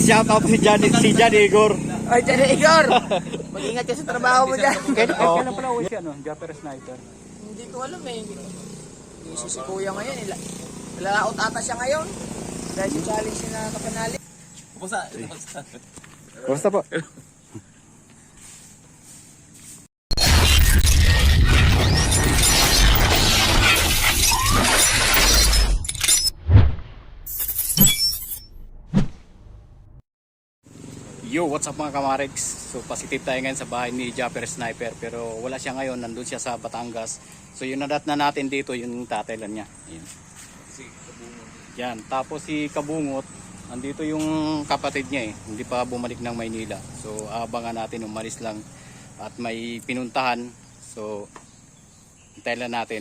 shout out si Jan Igor. Ay, Jan Igor! Mag-ingat ka sa trabaho mo dyan. Kailan pala uwi siya, no? Japper Sniper. Hindi ko alam eh. Busy si Kuya ngayon. Lalaot ata siya ngayon. Dahil sa challenge na kapanali. Basta po. Yo, what's up mga kamaregs? So positive tayo ngayon sa bahay ni Japper Sniper, pero wala siya ngayon, nandun siya sa Batangas. So yung nadat na natin dito, yung tatay lang niya. Ayan. Yan, tapos si Kabungot, andito yung kapatid niya eh, hindi pa bumalik ng Maynila. So abangan natin, umalis lang at may pinuntahan. So hintayin lang natin.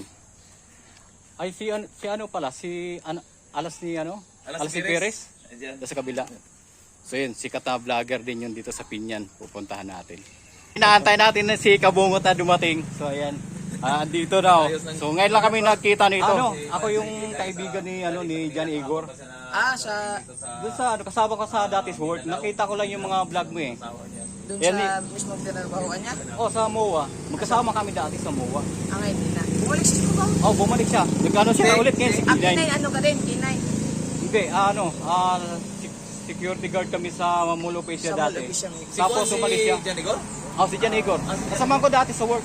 Ay si ano pala, si Alas ni Perez. Sa kabila. So yun, sikat na vlogger din yun dito sa Pinyan. Pupuntahan natin. Inaantay natin na si Kabungot na dumating. So ayan, dito daw. So ngayon lang kami nagkita nito. Ako yung kaibigan ni Jan Igor. Doon sa kasama ko sa Datis World. Nakita ko lang yung mga vlog mo eh. Doon sa mismong tinarbahuan niya? Sa MOA. Magkasama kami dati sa MOA. Ngayon din na. Bumalik siya sa MOA? Bumalik siya. Nagkano siya ulit ngayon si Kinay. Kinay, ano ka din? Kinay? Hindi, security guard kami sa Mulopesya dati. Tapos umalis siya. Si Jan Igor? Si Jan Igor. Kasama ko dati sa work.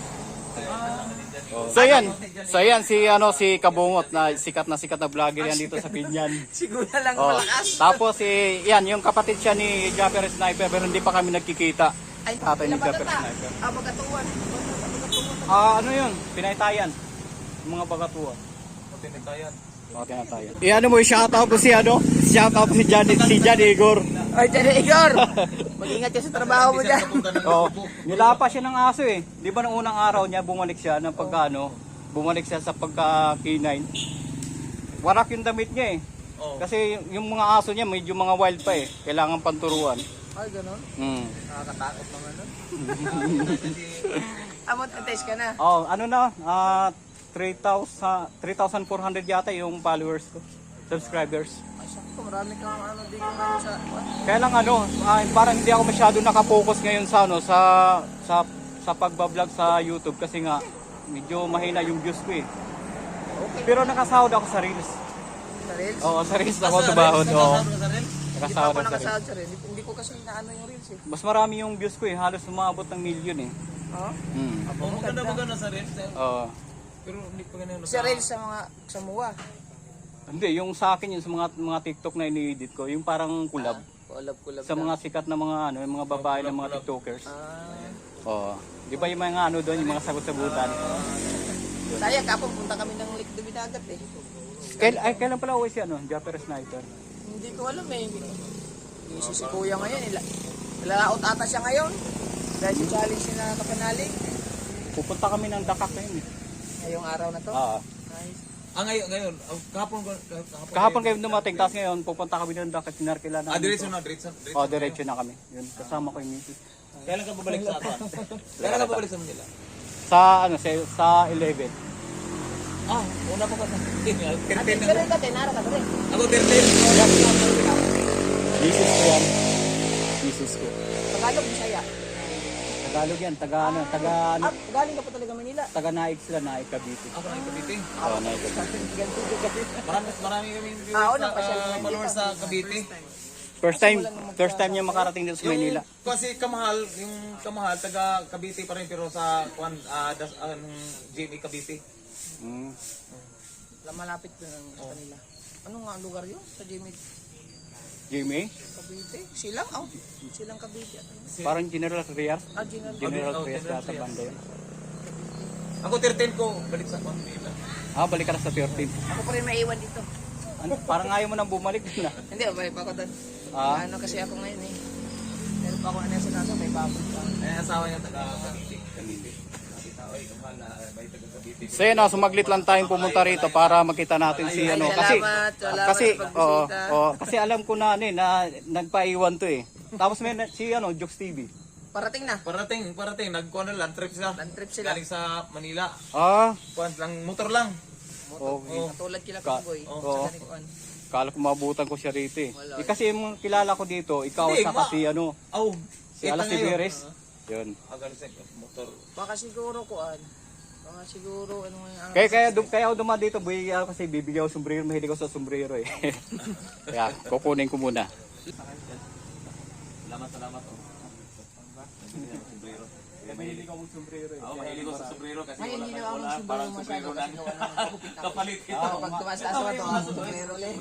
So yan si Kabungot na sikat na vlogger yan dito sa Pinyan. Siguro lang malakas. Tapos yan yung kapatid siya ni Japper Sniper, pero hindi pa kami nagkikita. Tatay ni Japper Sniper. Bagatuan. Ano yun? Pinaytayan. Mga bagatuan. Tinitayan. Tinatayan. Ano mo, shoutout ko si Jan Igor. Ay, Jan Igor! Mag-ingat ka sa trabaho mo dyan. Nilapa siya ng aso eh. Di ba nung unang araw niya bumalik siya ng bumalik siya sa pagka-K9. Warak yung damit niya eh. Kasi yung mga aso niya medyo mga wild pa eh. Kailangan panturuan. Ay, gano'n? Nakakatakot naman nun. Amot, test ka na. Ano na? 3,400 yata yung followers ko. Subscribers. Ay, sakto. Marami kang di ko ngayon sa... Kaya lang parang hindi ako masyado nakapokus ngayon sa pagbablog sa YouTube kasi nga medyo mahina yung views ko eh. Okay. Pero nakasahod ako sa Reels. Sa Reels? Sa Reels ako tumahod. Hindi pa Nakasahod ako ako sa Reels. nakasahod sa Reels. Hindi ko kasi inaano yung Reels eh. Mas marami yung views ko eh. Halos umabot ng million eh. Maganda sa rin. Pero hindi pa ganun. Sa Reels sa MOA. Hindi, yung sa akin yung sa mga TikTok na ini-edit ko, yung parang collab. Kulab Sa mga sikat na mga yung mga babae na mga TikTokers. Di ba yung mga doon, yung mga sagot-sagutan. Sayang, kapag punta kami ng Lake Duminagat eh. Kailan pala uwi siya, Japper Sniper? Hindi ko alam eh. Busy si Kuya ngayon. Lalaot ata siya ngayon. Dahil sa challenge na kapanali. Pupunta kami ng Dakak ngayon eh. Ngayong araw na to? Nice. Ngayon. Kahapon kayo dumating, tapos ngayon pupunta kami ng Dakak, sinarkila na. Diretso na. Diretso na kami. Yun, kasama ko yung misis. Kailan ka babalik sa Atan? Kailan ka babalik sa Manila? Sa 11. Una pa ka na. Atin ka rin ka, tenara ka rin. Ako 13. Misis ko yan. Misis ko. Tagalog, Bisaya. Tagalog yan, Galing ka pa talaga Manila. Taga-Naik sila, Naik Cavite. Ako na yung Cavite. Naik Cavite. Marami kami followers sa Cavite. First time niya makarating dito sa Maynila. Kasi yung Kamahal, taga Cavite pa rin pero sa GMA Cavite. Malapit doon sa kanila. Ano nga ang lugar yun sa Jimmy? GMA? Cavite? Silang Cavite. Parang General Trias. General Trias yata banda yun. Ako 13 ko, balik sa Manila. Balik ka na sa 13. Ako pa rin maiwan dito. Parang ayaw mo nang bumalik na. Hindi, may pa ako doon. Ano kasi ako ngayon eh. Meron pa ako sa nasa, may babot pa. Asawa niya taga Cavite. So yun, sumaglit lang tayong pumunta rito para makita natin si Salamat kasi alam ko na na nagpaiwan to eh. Tapos may si Jokes TV. Parating na. Parating. Nagkuha na land trip sila. Galing sa Manila. Kuha lang, motor lang. Katulad kila Kaboy. Kala ko mabutan ko siya rito eh. Eh, kasi yung kilala ko dito, ikaw Hindi, sa kasi ano, Oh, si Alas ni Beres. Yun. Agal sa motor. Baka siguro kuan. Baka siguro ano nga Kaya ako dumaan dito, boy, kasi bibigyan ko sombrero, mahilig ako sa sombrero eh. Kaya kukunin ko muna. Salamat. Oh. Sombrero. Mahilig ako sa sombrero eh. Oo, mahilig ko sa sombrero kasi Ay, wala hindi tayong na ako wala. sombrero Parang masyado sombrero kasi lang. gawa ng Kapalit ito. pag tumaas sa aswa to, ang sombrero ulit.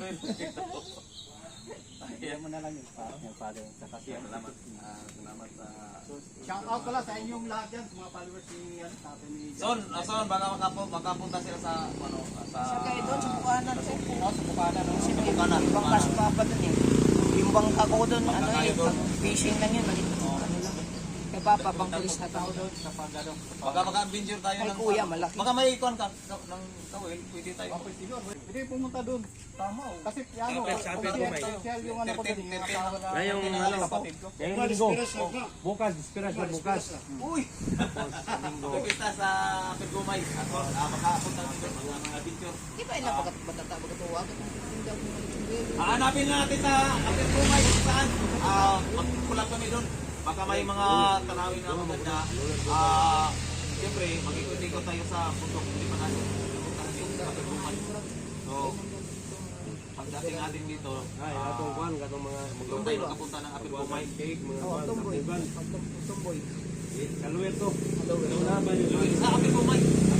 Kaya mo na lang yung father sa kasi. Salamat. Salamat sa... Shout out pala sa inyong lahat yan, sa mga followers ni tatay ni Son, baka makapunta sila sa ano, sa... Siya kayo doon sa Bukanan. Sa Bukana, no? Sino yung Bukanan. ibang kasupapa doon eh. Yung bangka ko doon, ano Bangka eh, kayo doon. pang fishing lang yun. Ano lang. Kay Papa, pang pulis na tao doon. Sa pag ano. Baka maka-adventure tayo Ay, ng... kuya, malaki. Baka may ikuan ka ng tawil, pwede tayo. Hindi pumunta doon. Tama. Kasi ano, social yung ano ko doon. Yung asawa na Yung ng kapatid ko. Ngayong linggo. Bukas, inspirasyon bukas. Uy! Pagkita sa Pergumay. Ako, makapunta dito mga adventure. Di ba ilang magkatuwa? Hanapin na natin sa Pergumay kung saan. Magkulang kami doon. Baka may mga tanawin na maganda. Siyempre, mag-ikot-ikot tayo sa bundok. Hindi pa natin sa Pergumay. So, pagdating natin dito, Ay, atong kwan, katong mga doon tayo nakapunta ng Pergumay. cake, mga Oo, kwan, tumboy. iban. Tumboy. Kaluwer to. Wala ba yun? Sa Pergumay.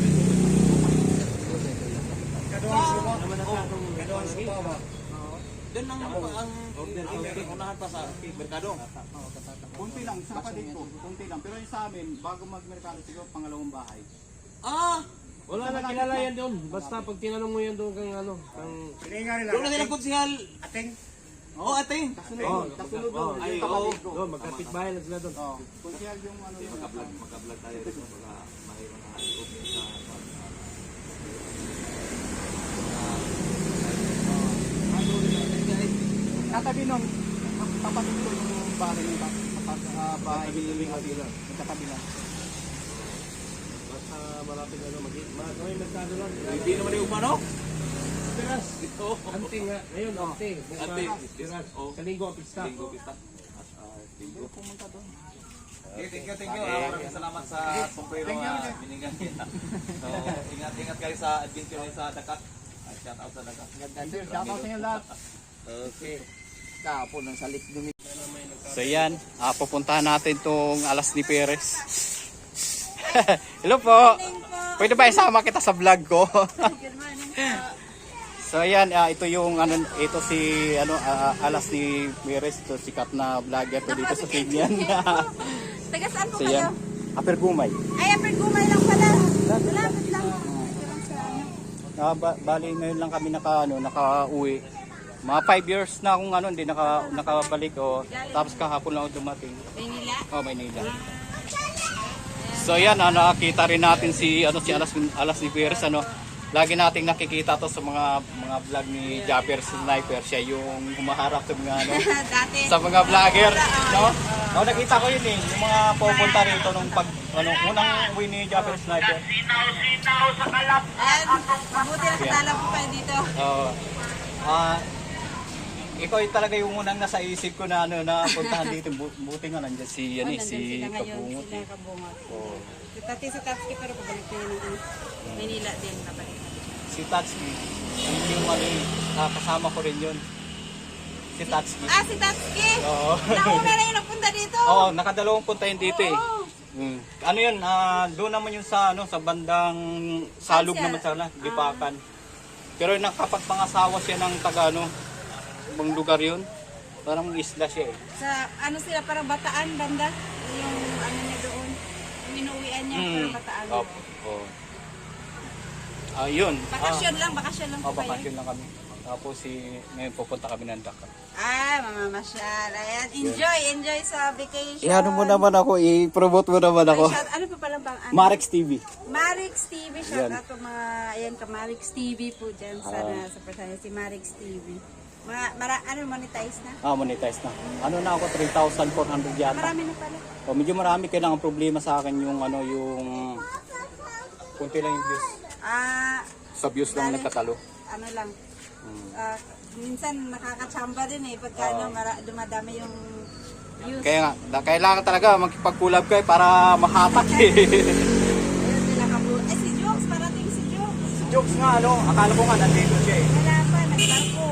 Kadoan subawa. Doon ang unahan pa sa merkado. Kunti lang, sa kapatid ko. Kunti lang. Pero yung sa amin, bago magmerkado siguro, pangalawang bahay. Wala na kilala yan doon. Basta pag tinanong mo yan doon kang ano, kang... Doon na nilang konsihal. Ating. Oo, ating. Kasunod doon, Ay, yung kapatid ko. Doon, magkapit-bahay lang sila doon. Oh, kunsihal yung ano yun. Magka-vlog tayo dito para may mga improvement sa Katabi nun, kapatid ko yung bahay nila. Bahay ni Kabila. katabi lang. Basta malapit na doon. May merkado lang. hindi naman yung umano. Piras. Ante nga. Ngayon, ante. Ante. Piras. Oh. Kalinggo, pista. Linggo pista. Pero pumunta doon. Okay, thank you. Maraming salamat sa sombrero binigyan niya. So, ingat kayo sa adventure niyo sa Dakat. Shout out sa Dakat. Shout out sa inyo lahat. Okay. Kahapon ang salik dumi. So yan, pupuntahan natin tong Alas ni Perez. Hello po. Pwede ba isama kita sa vlog ko? So yan, ito yung ano, ito si ano Alas ni Perez, to sikat na vlogger to dito sa Tignan. Taga saan po So kayo? yan, Apergumay. Ay, Pergumay lang pala. Malapit lang. Bali ngayon lang kami naka-uwi. Mga 5 years na akong ano, hindi nakabalik o. Tapos kahapon lang ako dumating. Maynila. Oh, Maynila. So yan, nakita rin natin si Alas ni Perez, ano. Lagi nating nakikita to sa mga vlog ni Japper Sniper. Siya yung humaharap sa mga Dati. sa mga vlogger, no? Oh, nakita ko yun eh, yung mga pupunta rito nung unang uwi ni Japper Sniper. Ayan, mabuti na katala po kayo dito. Ikaw yung talaga yung unang nasa isip ko na puntahan dito. Buti nga nandiyan si si Kabungot. Sila Kabungot. Oh. Dati sa Tatsuki pero pabalik na yun ng Manila din kabalik. Si Tatsuki, yung kasama ko rin yun. Si Tatsuki. Ah, si Tatsuki! Oo. Nauna na yung napunta dito. Oo, nakadalawang punta yun dito eh. Oo. Ano yun, doon naman yun sa bandang salog Ansya. naman sana, Lipakan. Pero nakapagpangasawa siya ng taga ibang lugar yun. Parang isla siya eh. Sa ano sila, parang Bataan banda. Yung ano niya doon. Yung inuwian niya, parang Bataan. Opo. Oh. Ayun. Bakasyon lang po kayo. Bakasyon lang kami. Tapos ngayon pupunta kami ng Dakar. Ah, mamamasyal. Ayan, enjoy sa vacation. Ano mo naman ako, i-promote mo naman ako. Ano pa palang bang ano? Marex TV. Marix TV, shout Yan. out to mga, ayan ka, Marix TV po dyan, sana sa person si Marix TV. Monetize na? Monetize na. Ano na ako, 3,400 yata. Marami na pala. Medyo marami, kailangan problema sa akin yung kunti lang yung views. Ah, Sa views lang Dali. nagkatalo. ano lang, minsan nakakachamba din eh pagka dumadami yung views. Kaya nga, kailangan talaga magkipag-collab kayo para mahatak eh. Ayun sila kabuo. Si Jokes, parating si Jokes. Si Jokes nga, akala ko nga nandito siya eh. Wala pa, nagbarko.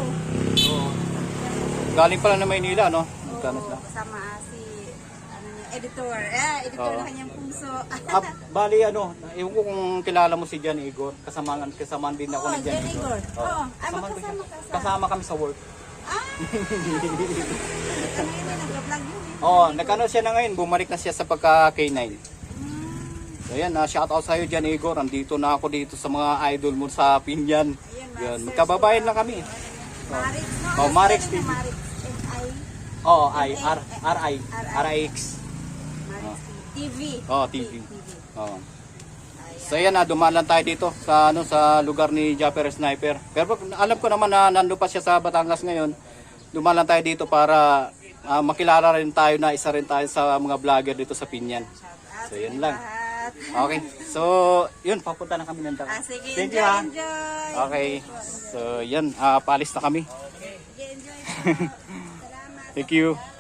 Galing pala na Maynila, no? Magkano Oo, sila? kasama si editor. Editor ng kanyang puso. Bali, ewan ko kung kilala mo si Jan Igor. Kasamaan din ako Oo, ni Jan Jan Igor. Igor. Oo, Kasama ko siya. magkasama ka sa... Kasama kami sa work. Kami yun, nag-vlog yun eh. Oo, nagkano siya na ngayon. Bumalik na siya sa pagka K9. So yan, shoutout sa iyo Jan Igor. Andito na ako dito sa mga idol mo sa Pinyan. Yan, magkababayan lang kami. Marix, no? Oh, Marix TV. Marix, M-I. Oo, RIX. Marix TV. Oo, TV. Oo. So yan, dumaan lang tayo dito sa sa lugar ni Japper Sniper. Pero alam ko naman na nando pa siya sa Batangas ngayon. Dumaan lang tayo dito para makilala rin tayo na isa rin tayo sa mga vlogger dito sa Pinyan. So yun lang. Okay. So, yun, papunta na kami ng Davao. Sige, Thank enjoy, you, ha. enjoy. Okay. So, yan, paalis na kami. Sige, enjoy po. Salamat. Thank you.